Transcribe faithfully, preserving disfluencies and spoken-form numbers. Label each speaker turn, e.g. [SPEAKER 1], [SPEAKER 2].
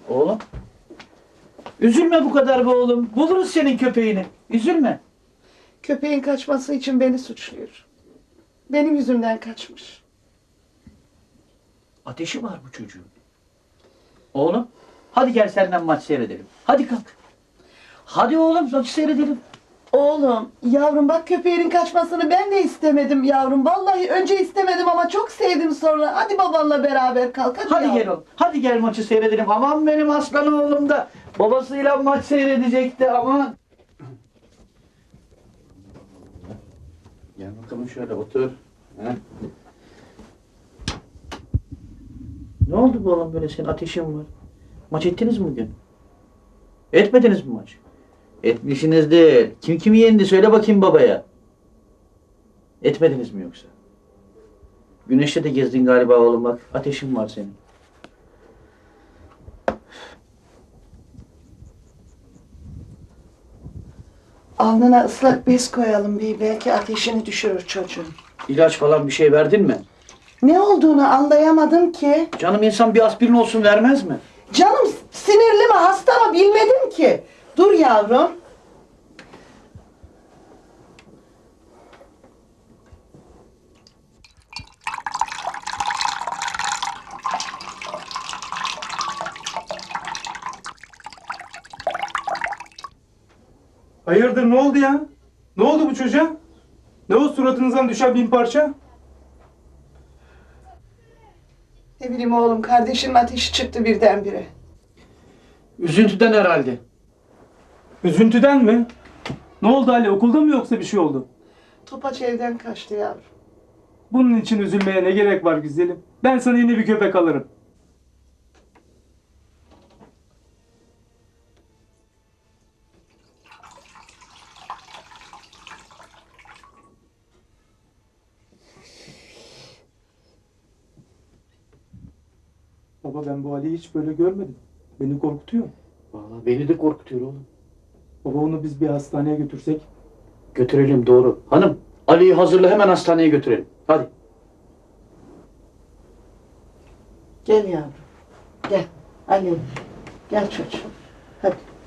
[SPEAKER 1] Oğlum. Üzülme bu kadar be oğlum. Buluruz senin köpeğini. Üzülme.
[SPEAKER 2] Köpeğin kaçması için beni suçluyor. Benim yüzümden kaçmış.
[SPEAKER 1] Ateşi var bu çocuğun. Oğlum. Hadi gel senden maç seyredelim. Hadi kalk. Hadi oğlum maçı seyredelim.
[SPEAKER 2] Oğlum, yavrum bak köpeğinin kaçmasını ben de istemedim yavrum. Vallahi önce istemedim ama çok sevdim sonra. Hadi babanla beraber kalk. Hadi,
[SPEAKER 1] Hadi
[SPEAKER 2] yavrum.
[SPEAKER 1] gel oğlum. Hadi gel maçı seyredelim. Aman benim aslan oğlum da babasıyla maç seyredecekti aman. Gel bakalım şöyle otur. He. Ne oldu bu oğlum böyle senin ateşin var? Maç ettiniz mi bugün? Etmediniz mi maç? Etmişsinizdir. Kim kimi yendi söyle bakayım babaya. Etmediniz mi yoksa? Güneşte de gezdin galiba oğlum bak. Ateşin var senin.
[SPEAKER 2] Alnına ıslak bez koyalım bir, belki ateşini düşürür çocuğun.
[SPEAKER 1] İlaç falan bir şey verdin mi?
[SPEAKER 2] Ne olduğunu anlayamadım ki.
[SPEAKER 1] Canım insan bir aspirin olsun vermez mi?
[SPEAKER 2] Canım sinirli mi hasta mı bilmedim ki. Dur yavrum.
[SPEAKER 3] Hayırdır ne oldu ya? Ne oldu bu çocuğa? Ne o suratınızdan düşen bin parça?
[SPEAKER 2] Ne bileyim oğlum, kardeşimin ateşi çıktı birdenbire.
[SPEAKER 1] Üzüntüden herhalde.
[SPEAKER 3] Üzüntüden mi? Ne oldu Ali, okulda mı yoksa bir şey oldu?
[SPEAKER 2] Topaç evden kaçtı yavrum.
[SPEAKER 3] Bunun için üzülmeye ne gerek var güzelim? Ben sana yeni bir köpek alırım. Baba ben bu Ali'yi hiç böyle görmedim. Beni korkutuyor.
[SPEAKER 1] Vallahi beni de korkutuyor oğlum.
[SPEAKER 3] Baba onu biz bir hastaneye götürsek.
[SPEAKER 1] Götürelim doğru. Hanım Ali'yi hazırla hemen hastaneye götürelim. Hadi.
[SPEAKER 2] Gel yavrum. Gel. Ali. Gel çocuğum. Hadi.